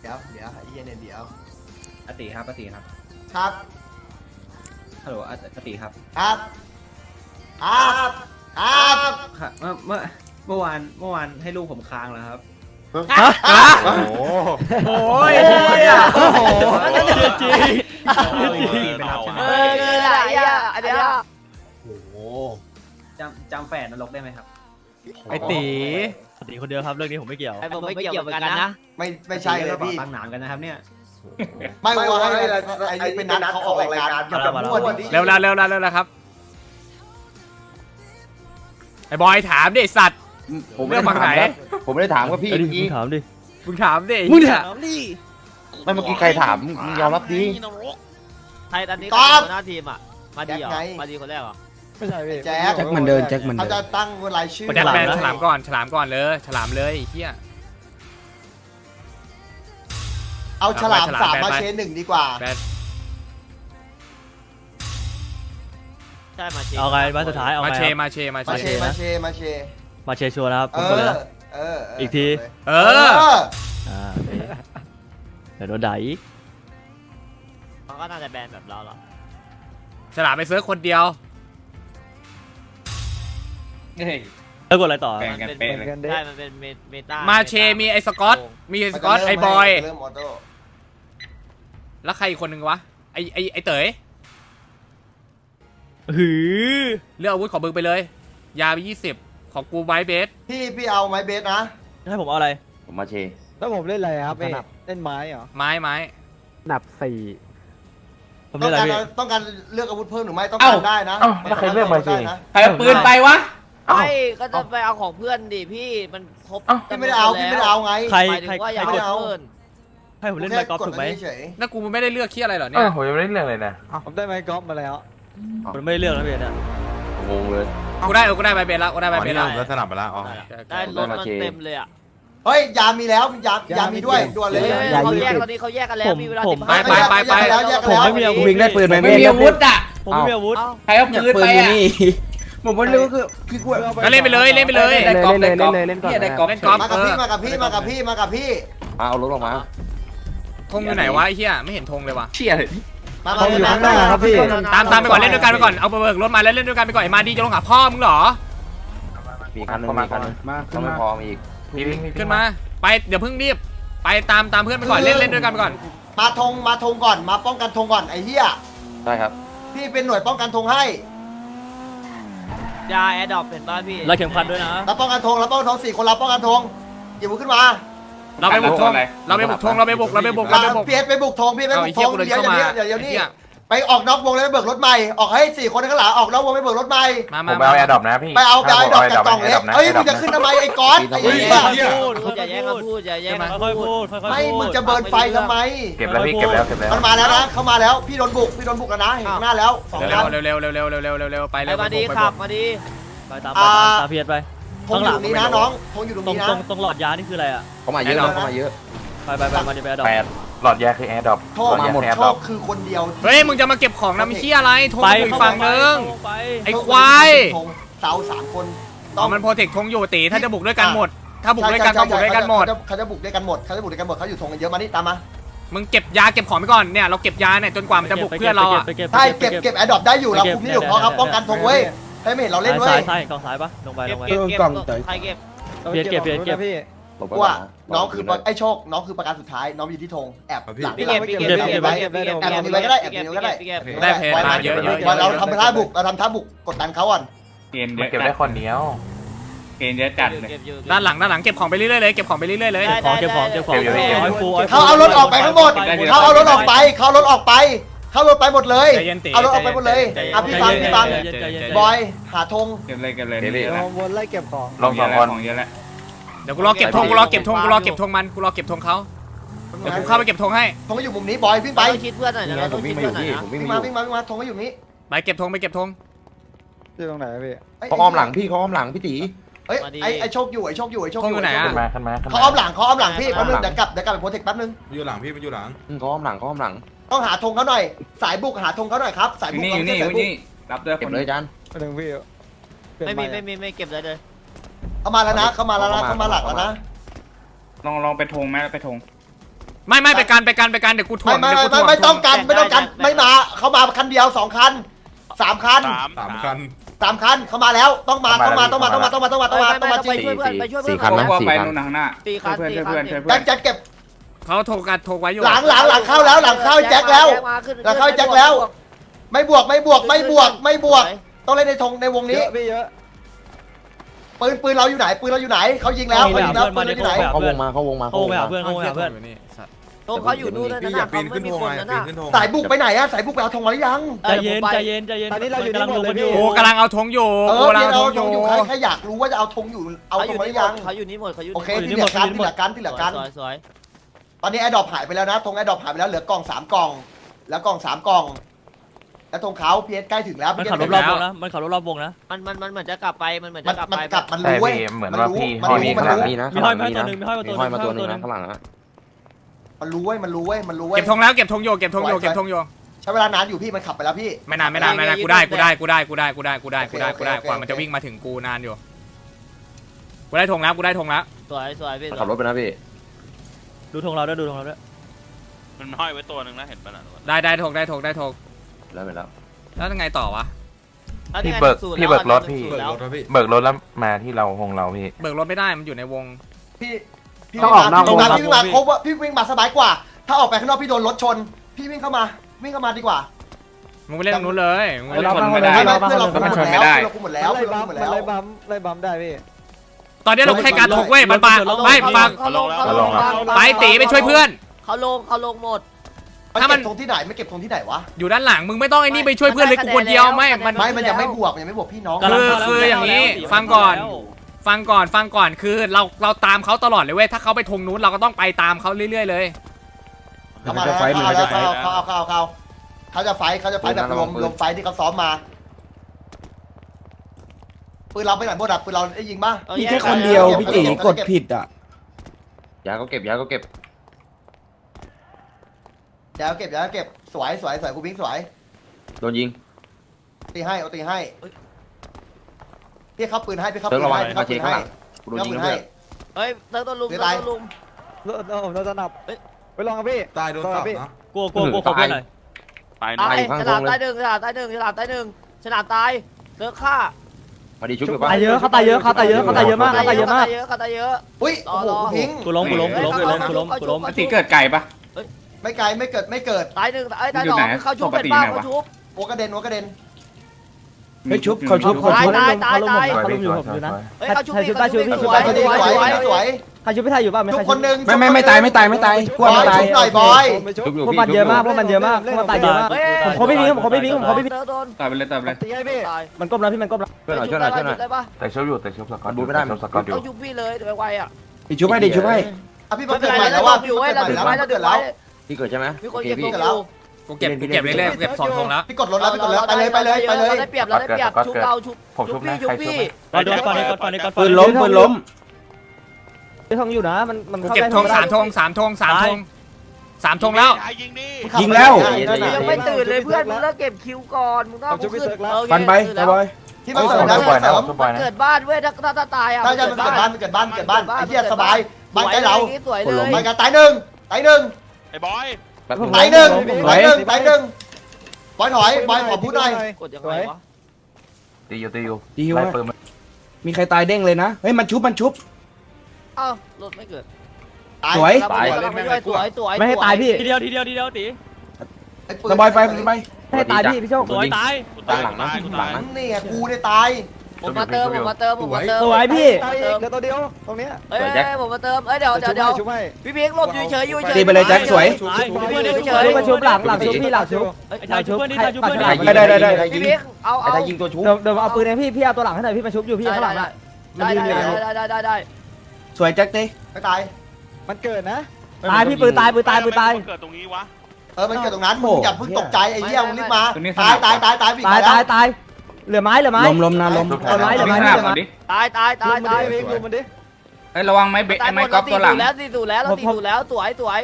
เดี๋ยวไอ้เหี้ยเนี่ยเดี๋ยวอติครับอติครับครับฮัลโหลอติครับครับครับครับค่ะเมื่อวานให้ลูกผมค้างแล้วครับโอ้โหโอ้ยอ่ะโอ้โหจริงไปรับใช่ไหมอะไรอ่ะอันเนี้ยโอ้โหจำแฝดนรกได้ไหมครับไอตีคนเดียวครับเรื่องนี้ผมไม่เกี่ยวไอ้ผมไม่เกี่ยวเหมือนกันนะไม่ใช่เลยพี่ตั้งนานกันนะครับเนี่ยไม่ว่าไอ้นี่เป็นนัดเขาออกรายการอย่าแบบมั่วดิเร็วแล้วครับไอ้บอยถามดิสัตว์ผมไม่ได้ถามครับผมไม่ได้ถามว่าพี่มึเมื่อกี้งถามดิมึงถามไม่เมื่อกี้ใครถามมึงยอมรับดิใครตอนนี้หัวหน้าทีมอ่ะมาดีเหรอมาดีคนแรกเหรอไม่ใช่พี่แจ็คแจ็คมันเดินแจ็คมันเขาเดิจะนตั้งรายชื่อแจ็คแมนฉลามก่อนเลยฉลามเลยไอ้เหี้ยเอาฉลามเอาไปสามฉลามมาไปเชนหนึ่งดีกว่าแบนใช่มาเชเอาไงมาสุดท้ายเอามาไงเชครับมาเชมาเชมาเชชัวร์นะครับเอผมกดเลยอนะ อีกทีเอเอออโอเคเดี๋ยวโดนด่าอีกมันก็น่าจะแบนแบบเราหรอฉลามไปเซิร์ฟคนเดียวแล้วกดอะไรต่อมันเป็นใช่มันเป็นเมตามาเชมีไอ้สกอตมีไอ้สกอตไอ้บอยเริ่มออโต้แล้วใครอีกคนนึงวะไอ้เต๋ยหือเลือกอาวุธของมึงไปเลย ยาไป20ของกูไบเบสพี่เอาไม้เบสนะให้ผมเอาอะไรผมมาเชแล้วผมเล่นอะไรครับพี่เล่นไม้เหรอไม้หนับสี่ผมต้เล่อน งอะไรการพี่ต้องการเลือกอาวุธเพิ่มหรือไม่ต้องการได้นะแล้วใครเลือกมาเชได้นะใครเอาปืนไปวะไม่ก็จะไปเอาของเพื่อนดิพี่มันครบพี่ไม่ได้เอาไงใครหมายถึงว่าอยากไม่เอาเอาเพื่อนให้ผมเล่นไมค์กอล์ฟถูกไหมเฉยแล้วกูไม่ได้เลือกเคี้ยอะไรเหรอเนี่ยผมยังไม่ได้เรื่องเลยนะผมได้ไม้กอล์ฟมาแล้วผมไม่ได้เลือกนะพี่เนี่ยงงเลยกูได้ไบเบสแล้วกูได้ไบเบสแล้วแล้วสนับไปแล้วอ๋อได้รถมันเต็มเลยอ่ะเฮ้ยยามีแล้วยามีด้วยด่วนเลยเขาแยกตอนนี้เขาแยกกันแล้วมีเวลาไปผมไม่มีอาวุธวิ่งได้ปืนไหมไม่มีอาวุธอ่ะผมไม่มีอาวุธใครเอาปืนไปอ่ะผมไม่รู้คือกูก็เล่นไปเลยเล่นไปเลยเล่นเลยเล่นก่อนได้กอล์ฟเล่นกอล์ฟมากับพี่เอารถออกมาธงอยู่ไหนวะไอ้เหี้ยไม่เห็นธงเลยว่ะเชี่ยเลยมาเขาอยู่ข้างหน้าครับพี่ตามไปก่อนเล่นด้วยกันไปก่อนเอาไปเบิกรถมาแล้วเล่นด้วยกันไปก่อนไอ้มาดีจะลงหาพ่อมึงเหรอมีคันนึงมีคันนึงมาต้องไม่พอมีอีกขึ้นมาไปเดี๋ยวเพิ่งรีบไปตามเพื่อนไปก่อนเล่นด้วยกันไปก่อนมาธงก่อนมาป้องกันธงก่อนไอ้เหี้ยได้ครับพี่เป็นหน่วยป้องกันธงให้ยาแอร์ดรอปเห็นป่ะพี่แล้วเข็มขัดด้วยนะเราป้องกันธง4 คนเราป้องกันธงหยิบมือขึ้นมาเราไปบุกธงเราไปบุกเพียรไปบุกธงพี่ไปบุกธงเดี๋ยวนี่ไปออกนอกวงแล้วไปเบิกรถใหม่ออกให้4 คนข้างหลังออกนอกวงไปเบิกรถใหม่ผมไปเอาแอร์ดรอปนะพี่ไปเอาดอกจากกล่องเล็กเฮ้ยมึงจะขึ้นทำไมไอ้ก๊อตไอ้เหี้ยอย่าแย่งกันพูดอย่าแย่งกันค่อยๆพูดค่อยๆพูดไม่มึงจะเบิร์นไฟทำไมเก็บแล้วพี่เก็บแล้วมันมาแล้วนะเขามาแล้วพี่โดนบุกแล้วนะเห็นหน้าแล้ว2 คันเร็วไปไอ้มาดีขับมาดีไปตามเพียรไปธงอยู่ตรงนี้นะน้องธงอยู่ตรงตรงนี้นะตรงหลอดยานี่คืออะไรอ่ะเขามาเยอะเขามาเยอะไปมาดิไปดอก 8หลอดแยกคือแอร์ดรอปโชคมาหมดโชคคือคนเดียวเฮ้ยมึงจะมาเก็บของน้ำเชี่ยอะไรธงไปอยู่อีกฝั่งนึงไปไอ้ควายเสา3 คนมันโปรเทคธงอยู่ตีถ้าจะบุกด้วยกันหมด ถ้าบุกด้วยกันต้องบุกด้วยกันหมดเขาจะบุกด้วยกันหมดเขาอยู่ธงกันเยอะมานี่ตามมามึงเก็บยาเก็บของไปก่อนเนี่ยเราเก็บยาเนี่ยจนกว่ามันจะบุกเพื่อนเราอ่ะใช่เก็บแอร์ดรอปได้อยู่เราคุมนี่อยู่เพราะครับป้องกันธงเว้ยให้ไม่เห็นเราเล่นเว้ยใช่กองซ้ายปะลงไปเก็บใครเก็บพี่ว่าน้องคือไอ้โชคน้องคือประการสุดท้ายน้องอยู่ที่ธงแอบหลังพี่เก็บก็ได้ได้เพลมาเยอะเราทำท่าบุกกดดันเขาก่อนมันเก็บได้คนเดียวด้านหลังเก็บของไปเรื่อยๆเลยเก็บของไปเรื่อยๆเลยเก็บของให้ฟูเขาเอารถออกไปทั้งหมดเขาเอารถออกไปหมดเลยเอารถออกไปหมดเลยอ่ะพี่ฟังบอยหาธงเก็บเลยวนไล่เก็บของลง2 คนเดี๋ยวกูรอเก็บธงมันกูรอเก็บธงเขาเดี๋ยวกูเข้าไปเก็บธงให้ธงก็อยู่มุมนี้บอยวิ่งไปต้องคิดเพื่อนหน่อยนะต้องคิดเพื่อนหน่อยนะผมวิ่งวิ่งมามาธงก็อยู่นี้ไปเก็บธงที่ตรงไหนพี่เขาอ้อมหลังพี่เขาอ้อมหลังพี่ตีเอ้ยไอ้โชคอยู่เขาอ้อมหลังพี่แป๊บนึงเดี๋ยวกลับไปโปรเทคแป๊บนึงอยู่หลังพี่มันอยู่หลังเขาอ้อมหลังต้องหาธงเขาหน่อยสายบุกหาธงเขาหน่อยครับสายบุกรับด้วยเก็บเลยจันไปถึงพี่ไม่เก็บเลยเขามาแล้วนะเขามาหลักแล้วนะลองไปธงไหมไปธงไม่ไปกันเดี๋ยวกูถ่วงไม่ต้องกันไม่มาเขามาคันเดียว2 คัน3 คัน 3 คัน 3 คันเขามาแล้วต้องมาจริงไปช่วยเพื่อนไปช่วยเพื่อน 4 คันนะว่า 4 ไปคันนู่นข้างหน้าตีคันตีคันแจ็คเก็บเขาโทรไว้อยู่หลังเข้าแล้วหลังเข้าแจ็คแล้วหลังเข้าแจ็คแล้วไม่บวกต้องเล่นในธงในวงนี้เยอะพี่เยอะปืนเราอยู่ไหนเขายิงแล้วปืนเราอยู่ไหนเขาวงมาโอ้ไปหาเพื่อนโอ้ไปหาเพื่อนตรงเขาอยู่นู่นนั่นน่ะเขาไม่มีคนนั่นน่ะสายบุกไปไหนอะสายบุกไปเอาธงมาหรือยังใจเย็นตอนนี้เราอยู่กำลังลงกันอยู่กูกำลังเอาธงอยู่พี่เอาธงอยู่ใครอยากรู้ว่าจะเอาธงอยู่เอาธงมาหรือยังเขาอยู่นี่หมดเขาอยู่โอเคที่เหลือกันสวยตอนนี้แอร์ดรอปหายไปแล้วนะธงแอร์ดรอปหายไปแล้วเหลือกล่อง3 กล่องแล้วกล่อง3 กล่องแล้วธงเขาพีเอสใกล้ถึงแล้วมันขับรถรอบวงนะมันขับรถรอบวงนะมันเหมือนจะกลับไปมันเหมือนจะกลับมันไปกลับมันรู้เว้ยเหมือนว่าพี่ห้อยมีข้างหลังนี่นะมีห้อยมาตัวนึงมีห้อยมาตัวห้อยมาตัวนึนึงงนะข้างหลังนะมันรู้เว้ยเก็บธงแล้วเก็บธงอยู่ใช้เวลานานอยู่พี่มันขับไปแล้วพี่ไม่นานกูได้กว่ามันจะวิ่งมาถึงกูนานอยู่กูได้ธงแล้วสวยพี่ขับรถไปนะพี่ดูธงเราด้วยมันห้อยไว้ตัวหนึ่งนะเห็นป่ะน่ะได้ธงแล้วไปแล้วแล้วยังไงต่อวะพี่เบิกรถแล้วมาที่เราหงเราพี่เบิกรถไม่ได้มันอยู่ในวงพี่วิ่งมาครบว่าพี่วิ่งมาสบายกว่า ถ้าออกไปข้างนอกพี่โดนรถชนพี่วิ่งเข้ามาดีกว่ามึงไปเล่นตรงนู้นเลยมึงเพื่อนเราคุมหมดแล้วไล่บัมได้พี่ตอนนี้เราแค่การถกเว้ยมันมาไม่ฟังไปตีไปช่วยเพื่อนเขาลงหมดถ้ามันเก็บธงที่ไหนไม่เก็บธงที่ไหนวะอยู่ด้านหลังมึงไม่ต้องไอ้นี่ไปช่วยเพื่อนเลยกูคนเดียวไม่มันมันยังไม่บวกพี่น้องคืออย่างนี้ฟังก่อนคือเราตามเขาตลอดเลยเว้ยถ้าเขาไปธงนู้นเราก็ต้องไปตามเขาเรื่อยๆเลยเขาจะไฟแบบรวมไฟที่เขาซ้อมมาปืนเราไปไหนหมดอ่ะปืนเราได้ยิงป่ะพี่แค่คนเดียวพี่ตีกดผิดอ่ะยาก็เก็บเดี๋ยวเก็บสวยกูพิงสวยโดนยิงตีให้พี่เข้าปืนให้เติร์กระวังมาเช็คข้างหลังกูโดนยิงแล้วเพื่อนเฮ้ยเติร์กตัวลุมเราจะนับไปลองกับพี่ตายโดนสับนะกลัวเพื่อนหน่อยตายตายฉลามตายหนึ่งฉลามตายหนึ่งตายเติร์กฆ่าพอดีชุบอยู่ป่ะตายเยอะเขาตายเยอะมากอุ้ยโอ้โหพิงกูล้มตีเกิดไก่ปะไม่ไกลไม่เกิดตายหนึ่งตายสองเขาชุบเป็นบ้าเขาชุบหัวกระเด็นเฮ้ยชุบเขาชุบอยู่ผมอยู่นะเฮ้ยเขาชุบพี่สวยใครชุบพี่ไทยอยู่ป่ะทุกคนหนึ่งไม่ตายกลัวไม่ตายชุบหน่อยบอยชุบอยู่พวกพี่มันเยอะมากพวกมันเยอะมากผมเขาไม่วิ่งตายไปเลยตีให้พี่มันก้มแล้วพี่มันก้มแล้วช่วยหน่อยได้ปะแต่ชุบอยู่สกอตดูไม่ได้มันสกอตอยู่เขาชุบพี่เลยเดี๋ยวไวอ่ะดิชุบให้อ่ะพี่มาเกิดใหม่แล้วว่าพี่เกิดใหม่แล้วเกิดแล้วพี่เกิดใช่ไหมมีคนเก็บพี่ตัวแล้วกูเก็บเรื่อยๆเก็บ2ธงแล้วพี่กดรถแล้วไปเลยได้เปรียบชุบเราชุบพี่ปืนล้มพี่ทองอยู่นะมันกูเก็บธง3ธงแล้วยิงแล้วยังไม่ตื่นเลยเพื่อนมึงต้องเก็บคิวก่อนมึงต้องฟันไปบอยที่มาเสริมนะเสริมเกิดบ้านเว้ยถ้าตายอ่ะถ้าจะมันเกิดบ้านไอ้เหี้ยสบายบ้านใกล้เราสวยเลยไปกันตายหนึ่งไอ้บอยตายหนึ่งบอยถอยบอยขอพูดหน่อยกดยังไงวะตีอยู่ดีว่ามีใครตายเด้งเลยนะเฮ้ยมันชุบอ้าวรถไม่เกิดสวยไม่ให้ตายพี่ทีเดียวตีสบายไฟไปให้ตายพี่โชคสวยตายหลังนะนี่ไงกูได้ตายผมมาเติมสวยพี่เหลือตัวเดียวตรงนี้เอ้ยผมมาเติมเอ้ยเดี๋ยวพี่เพียงหลบอยู่เฉยอยู่เฉยตีไปเลยแจ็คสวยมาชุบหลังชุบพี่หลังชุบไทยชุบได้พี่เพียงเอาไอ้ยิงตัวชุบเดี๋ยวเอาปืนให้พี่เอาตัวหลังให้หน่อยพี่มาชุบอยู่พี่ข้างหลังได้สวยแจ็คตีไม่ตายมันเกิดนะตายพี่ปืนตายเกิดตรงนี้วะมันเกิดตรงนั้นมึงอย่าเพิ่งตกใจไอ้เหี้ยมึงรีบมาตายเหลือไม้ล้มตายลุมมันดิไอ้ระวังไม้เบะไม้กอล์ฟตัวหลังแล้วตีแล้วสวยตาย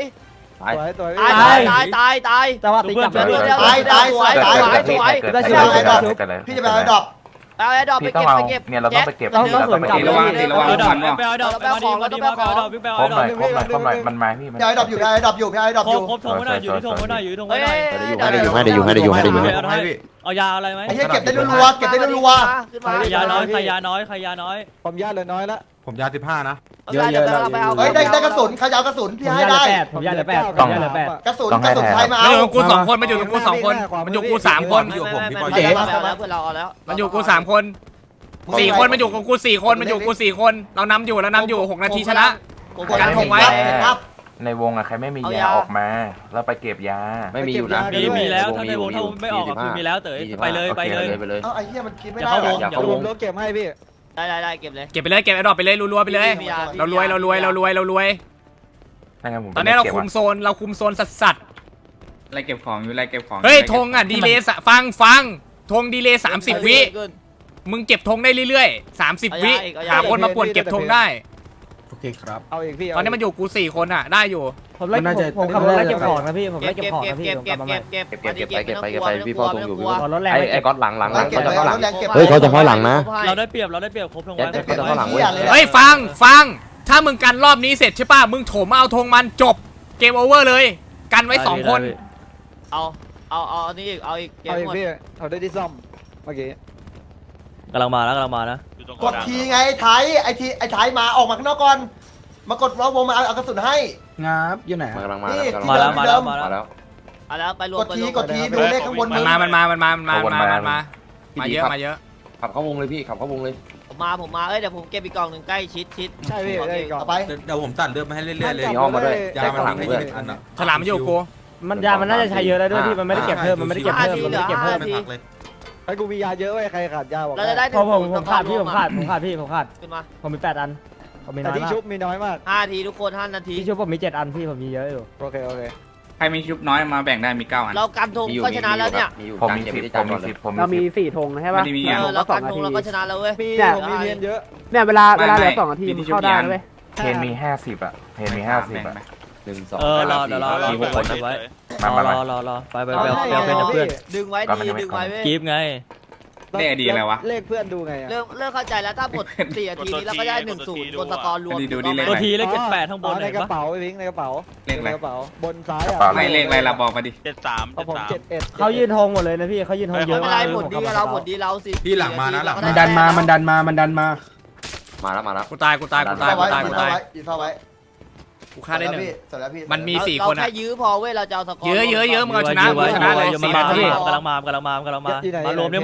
แต่ว่าตีกลับพี่จะไปเอาดอกเอาไอ้ดอกไปพี่ต้อเก็งบเอาไปเก็บเนี่ยเราต้องไปเก็บต้องเราต้องไปกลับเก็บระวังตีระวังฟันว่ะไปเอาดอกไปเอาดอกมาดิมาดิไปเอาดอกวิ่งไปครเอาบดหอน่อก ยครบหน่อยพี่ไอ้ดรอปอยู่พี่ไอ้ดรอปอยู่พี่ไอ้ดรอปอยู่พี่ไอ้ดรอปอยู่ครบทงไว้หน่อยอยู่ที่ทงไว้หน่อยอยู่ที่ทงเฮ้ไว้ยหน่อยได้เอายาอะไรไหมไอ้เหี้ยเก็บได้รัวๆเก็บได้รัวขึ้นมาใครยาน้อยใครยาน้อยใครยาน้อยผมญาติเลยน้อยละผมยา15นะเยอะไปเอาๆเฮ้ยได้กระสุนใครจะเอากระสุนพี่ให้ได้ผมยาเหลือ8ผมยาเหลือ8 กระสุนใครมามันเอาอยู่กับกู2 คนมันอยู่กับกู2 คนมันอยู่กับกู3 คนอยู่ผมพี่บอยเจ๊แล้วเพื่อนเราเอาแล้วมันอยู่กับกู3 คน4 คนมันอยู่กับกู4 คนมันอยู่กับกู4 คนเรานำอยู่6 นาทีชนะ กันคงไว้ครับในวงอะใครไม่มียาออกมาแล้วไปเก็บยาไม่มีอยู่นะมีแล้วถ้าในวงถ้าไม่ออกคือมีแล้วเต๋ยไปเลยไปเลยเอ้าไอ้เหี้ยมันคิดไม่อย่าได้เข้าวงหรออย่าเข้าวงรถเก็บให้พี่ได้เก็บเลยเก็บไปเลยเก็บไอ้ดอกไปเลยรัวๆไปเลยเรารวยตอนนี้เราคุมโซนสัสไล่เก็บของอยู่ไล่เก็บของๆเฮ้ยธงอ่ะดีเลย์ฟังธงดีเลย์30 วิมึงเก็บธงได้เรื่อยๆ30 วิหาคนมาป่วนเก็บธงได้โอเคครับเอาอีกพี่ตอนนี้มันอยู่กู4 คนอ่ะได้อยู่ผมไล่ผมขับรถไล่เก็บของนะพี่ผมไล่เก็บของนะพี่เก็บพี่พ่อต้องอยู่พี่พ่อรถแรงไอ้ก๊อตหลังเขาจะเข้าหลังเฮ้ยเขาจะเข้าหลังนะเราได้เปรียบครบทงไว้เฮ้ยฟังถ้ามึงกันรอบนี้เสร็จใช่ป่ะมึงโถมเอาธงมันจบเกมโอเวอร์เลยกันไว้2 คนเอาอันนี้อีกเอาอีกเก็บเอาอีกหมดพี่เอาได้ที่ซ่อมเมื่อกี้กำลังมานะกดทีไงไอ้ไทยมาออกมาข้างนอกก่อนมากดล้อวงมาเอากระสุนให้งับอยู่ไหนนี่มาแล้วเอาแล้วไปรวกมดทีดูเลขข้างบนมันมาเยอะขับเข้าวงเลยพี่ขับเข้าวงเลยผมมาเอ้ยเดี๋ยวผมเก็บอีกกล่องหนึ่งใกล้ชิดใช่พี่ได้ก่อนเอาไปเดี๋ยวผมตัดเลือดมาให้เรื่อยๆเลยมีอ้อมมาด้วยยามันวิ่งให้ยิงอันน่ะฉลามมันอยู่กูมันยามันน่าจะใช้เยอะแล้วด้วยพี่มันไม่ได้เก็บเพิ่มมันไม่ได้เก็บเพิ่มไม่พักเลยไอ้กูมียาเยอะเว้ยใครขาดยาบอกเราจะได้ผมขาดพี่ผมขาดขึ้นมาผมมี8 อันผมมีแต่น้อยที่มากชุบมีน้อยมาก 5 นาทีทุกคน5 นาทีที่ชุบผมมี7 อันพี่ผมมีเยอะอยู่โอเคใครมีชุบน้อยมาแบ่งได้มี9 อันเรากันธงก็ชนะแล้วเนี่ยมีอยู่ผมจานมีเก็บ 10 ที่ผจานมก่มีอนเลย 10ผมมีเรามี 10 4 ธงใช่ป่ะไม่ได้มีอ่ะเรากันธงเราก็ชนะแล้วเว้ยมีผมมีเพียนเยอะเนี่ยเวลาเหลือ2 นาทีมันเข้าได้เว้ยเพนมี50อะเพนมี50อะ 1 2 รอมี6 คนไว้มารอไปเพื่อนดึงไว้ดีดึงไว้เว้ยกีบไงเลขดีอะไรวะเลขเพื่อนดูไงอะเริ่มเข้าใจแล้วถ้าหมด4 นาทีนี้เราก็ได้1-0บนสกอร์รวมตัวทีเลข78ข้างบนในกระเป๋าไอ้พิงในกระเป๋าเลขอะไรในกระเป๋าบนซ้ายอ่ะไม่เลขอะไรเราบอกมาดิของผม71 เขายืนธงหมดเลยนะพี่เขายืนธงเยไม่อะเป็นมาไรกหมดดีเราสิพี่หลังมานะหลังมันดันมามันดันมามาแล้วกูตายยืนเฝ้าไว้กูฆ่าได้1 เสร็จแล้วพี่มันมี4 เราคนแค่อ่ะยื้อพอเว้ยเราจะเอาสกอร์เยอะมึงเอาชนะเลย4 นาทีกำลังมามารวมดิ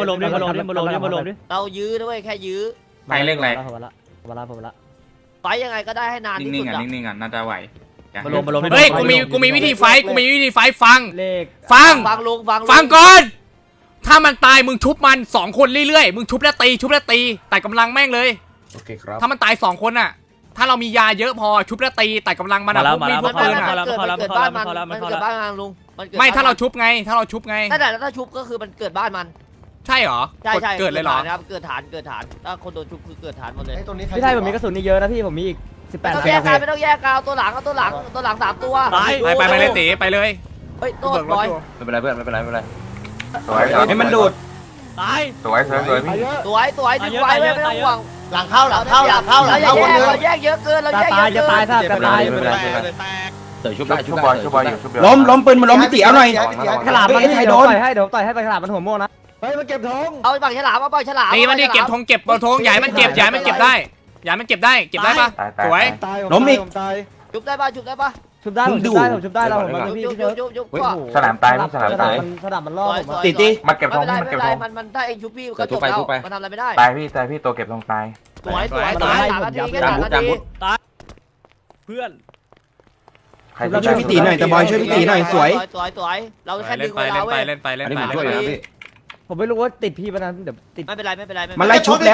เรายื้อด้วยแค่ยื้อใครเลขอะไรผมละไปยังไงก็ได้ให้นานที่นิ่สุงดๆอ่ะอ่ะนิ่งๆอ่ะน่าจะไหวมารวมเฮ้ยกูมีวิธีไฟฟังเลขฟังฟังก่อน ถ้ามันตายมึงชุบมัน2 คนเรื่อยๆมึงชุบแล้วตีแต่กำลังแม่งเลยโอเคครับถ้ามันตาย2 คนอ่ะถ้าเรามียาเยอะพอชุบแล้วตีแต่กำลังมันมาแล้วพวกมีดพวกปืนอ่ะมันเกิดบ้านมันเกิดบ้านมันลุงไม่ถ้าเราชุบไงนั่นแหละถ้าชุบก็คือมันเกิดบ้านมันใช่เหรอใช่เกิดเลยเหรอครับเกิดฐานถ้าคนโดนชุบคือเกิดฐานหมดเลยไอ้ตรงนี้ใครพี่ไทยผมมีกระสุนนี่เยอะนะพี่ผมมีอีกไม่ต้อง 18 แยกกันไม่ต้องแยกกันเอาตัวหลัง3 ตัวไปเลยตีไปเลยเฮ้ยตัวบอยไม่เป็นไรเพื่อนไม่เป็นไรสวยให้มันดูดตายสวยพี่ตัวดึงไว้ไม่ต้องห่วงหลังเข้าหมดเลยเราแยกเยอะเกินเราแยกเยอะจะเกิตายนซะจะตายเต๋อชุบชุบบอยอยู่ชุบบอยล้มปืนมันล้มพี่ตีเอาหน่อยฉลามมันให้เดี๋ยวต่อยให้ไปฉลามมันหัวม่วงนะเฮ้ยมาเก็บธงเอาปากฉลามเอาปากฉลามตีมันดิเก็บธงเก็บธงใหญ่มันเก็บได้เก็บได้ปะสวยตายล้มอีกผมตายชุบได้ป่ะชุบได้ผมชุบได้เราผมมาพี่ยุบฉลามตายพี่ฉลามตายฉลามมันล่อผมมาเก็บธงไม่เป็นไรมันถ้าเองชุบพี่ก็จบแล้วมันทำอะไรไม่ได้ตายพี่ตัวเก็บธงตายสวย3 นาทีแค่3 นาทีเพื่อนเราช่วยพี่ตีหน่อยแต่บอยช่วยพี่ตีหน่อยสวยเราแค่ดึงเวลาเว้ยเล่นไปอันนี้ผมช่วยนะพี่ผมไม่รู้ว่าติดพี่ปะนั้นเดี๋ยวติดไม่เป็นไรมันไล่ชุบแล้ว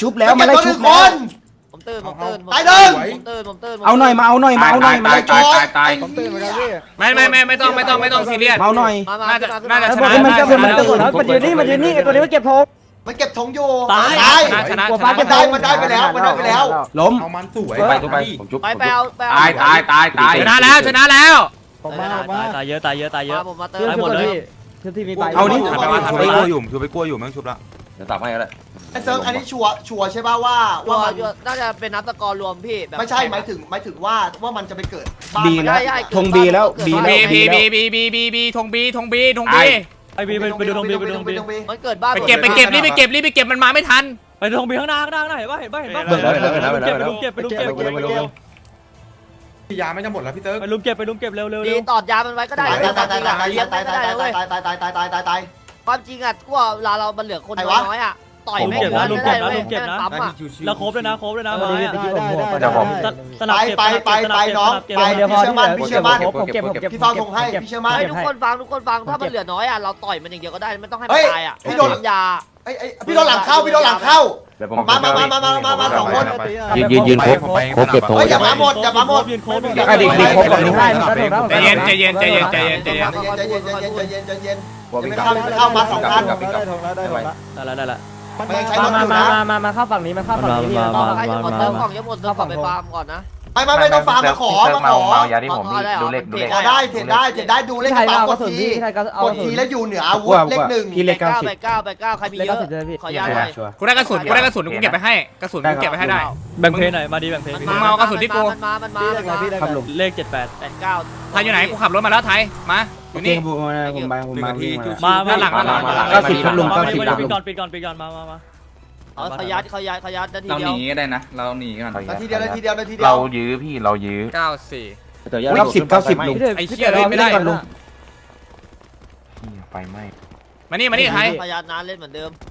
ผมตื่นเอาหน่อยมาไล่ชุบตายผมตื่นเหมือนกันพี่ไม่ต้องซีเรียสเอาหน่อยน่าจะชมันนะมันยืนนี่ไอ้ตัวนี้มันเก็บธงมันเก็บธงอยู่ชนะมันได้ไปแล้วล้มเอามันสวยไปผมชุบไปเอาตายชนะแล้วผมมาตายเยอะผมมาเติเพื่อนมหมดเลยพี่ที่มีไปเอานี่ไปกลัวอยู่แม่งชุบละดี๋ยวสับให้ก็ได้ไอ้เซิร์ฟอันนี้ชัวร์ใช่ป่ะว่ามันน่าจะเป็นนับสกอร์รวมพี่แบบไม่ใช่หมายถึงว่ามันจะไปเกิดบ้านบีนะธงบีแล้วบีบีแล้วบีบีบีบีบีบีธงบีธงบีธงบีไอบีไปดูตรงบีไปดูตรงบีมันเกิดบ้านไปเก็บรีบไปเก็บมันมาไม่ทันไปตรงบีข้างหน้าเห็นป่ะเห็นป่ะเบิกแล้วเบิกแล้วไปลุมเก็บไปลุมเก็บยาไม่จะหมดแล้วพี่เติร์กไปลุมเก็บเร็วดีตอดยามันไว้ก็ได้ตายความจริงอ่ะกูว่าเวลาเรามันเหลือคนน้อยอ่ะต่อยไม่เกินได้เว้ยปั๊มอ่ะแล้วครบเลยนะมาไปน้องไปพี่เชื่อมั่นพี่เชื่อมั่นผมเก็บพี่เฝ้าธงให้พี่เชื่อมั่นให้ทุกคนฟังถ้ามันเหลือน้อยอ่ะเราต่อยมันอย่างเดียวก็ได้ไม่ต้องให้เฮ้มันยตายอ่ะพี่โดนยาพี่โดนหลังเข้าเดี๋ยวผมมาสองคนยืนครบเก็บโถเฮ้ยอย่ามาหมดยืนโค้งดิครบก่อนใจเย็นใจเย็นเข้ามาสองคันได้ละมันยังใช้รถอยู่นะมาเข้าฝั่งนี้มาเข้าฝั่งนี้พี่ต่อให้หมดเติมของหมดเติมของไปฟาร์มก่อนนะไม่ต้องฟาร์มมาขอเมายาที่ผมมีดูเลขขอได้เห็นได้ดูเลขไทยกระเอาเป๋ากระดสุนทีพี่ไทยก็เอากดทีแล้วอยู่เหนืออาวุธเลขหนึ่งพี่เลขไปเก้าใครมีเลขเยอะ 90พี่ขอยาหน่อยกูได้กระสุนกูเก็บไปให้กระสุนกูเก็บไปให้ได้แบ่งเพลหน่อยมาดีแบ่งเพลมึงมาเอากระสุนที่กูมันมาครับลุงเลข78 89 ไทยอยู่ไหนกูขับรถมาแล้วไทยมาอโอยู่ เคนี่ผมมามาหลัง 90ครับลุง90 ปิดก่อนมาเขายัดนาทีเราเดีหยวนีก็ได้นะ เราหนีก่อนนาทีเดียวเรายื้อพี่เรายื้อ 94 เดี๋ยว 90ลุงไอ้เชี่ยเลยไม่ได้ลุงไฟไหม้มานี่ไทยเขายัดนานเล่นเหมือนเดิม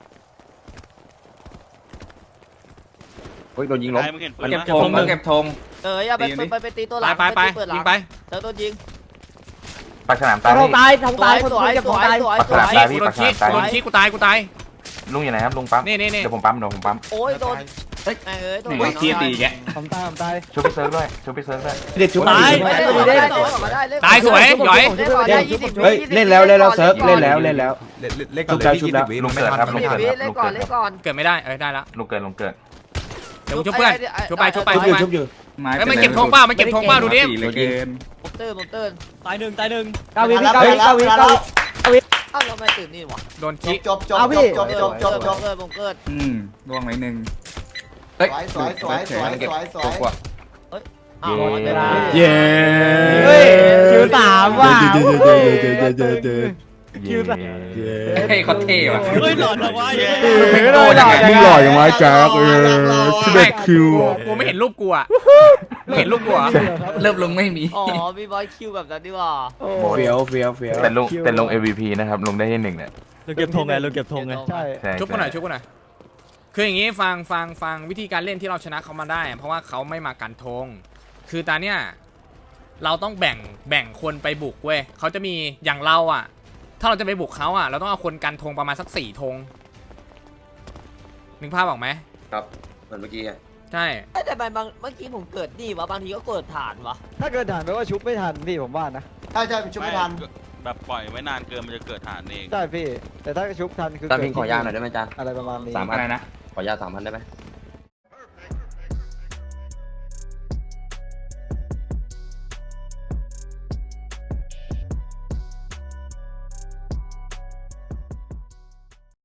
เฮ้ยโดนยิงล้มเก็บธงเก็บธงอย่าไปตีตัวหลังไปยิงไปเติมตัวยิงปากฉลามตายทงตายทงตายสวยเก็บทงตายสวยปากฉลามตายพี่กูโดปาน กฉชี้ลามตายกูตายกูตายลุงอยู่ไหนครับลุงปั๊มนี่เดี๋ยวผมปั๊มโอ้ยโดนโดนเทียตีแกผมตายช่วยพี่เซิร์ฟด้วยช่วยพี่เซิร์ฟด้วยเด็ดชุบตายสวยหยอยเฮ้ยเล่นแล้วเซิร์ฟเล่นแล้ว ชุบแล้วลุงเกิดครับลุงเกิดเล่นก่อนเกิดไม่ได้ได้ละลุงเกิดเดี๋ยวกูช่วยเพื่อนช่วยไปชุบอยู่มันเก็บธงเปล่ามันเก็บธงเปล่าดูดิเลยเกินผมเติร์นตายหนึ่ง 9 วิพี่9 วิอ้าวเราไม่ตื่นนี่หว่าโดนชี้จบผมเกิดล่วงไหนหนึ่งสวยอ้าวเย้คิว3ว่ะเฮ้ยเขาเท่ว่ะเฮ้ยหลอนนะวะมึงหล่ออย่างไรจ๊ะ11 คิวกูไม่เห็นรูปกูอ่ะเห็นรูปกูอ่ะเริ่มลงไม่มีอ๋อมีบอยคิวแบบนั้นดีว่าเฟี้ยวแต่ลง MVP นะครับลงได้ที่1เนี่ยเราเก็บธงไงใช่ชุบกูหน่อยคืออย่างงี้ฟังวิธีการเล่นที่เราชนะเขามาได้เพราะว่าเขาไม่มากันธงคือตอนเนี้ยเราต้องแบ่งคนไปบุกเว้ยเขาจะมีอย่างเราอ่ะถ้าเราจะไปบุกเขาอ่ะเราต้องเอาคนกันธงประมาณสัก4 ธงนึกภาพออกไหมครับเหมือนเมื่อกี้ใช่แต่เมื่อกี้ผมเกิดนี่วะบางทีก็เกิดฐานวะถ้าเกิดฐานแปลว่าชุบไม่ทันพี่ผมว่านะใช่ชุบไม่ทันแบบปล่อยไว้นานเกินมันจะเกิดฐานเองใช่พี่แต่ถ้าชุบทันคือตามพิงขอยาหน่อยได้ไหมจ๊ะอะไรประมาณนี้ 3,000 อะไรนะขอยา3,000ได้ไหม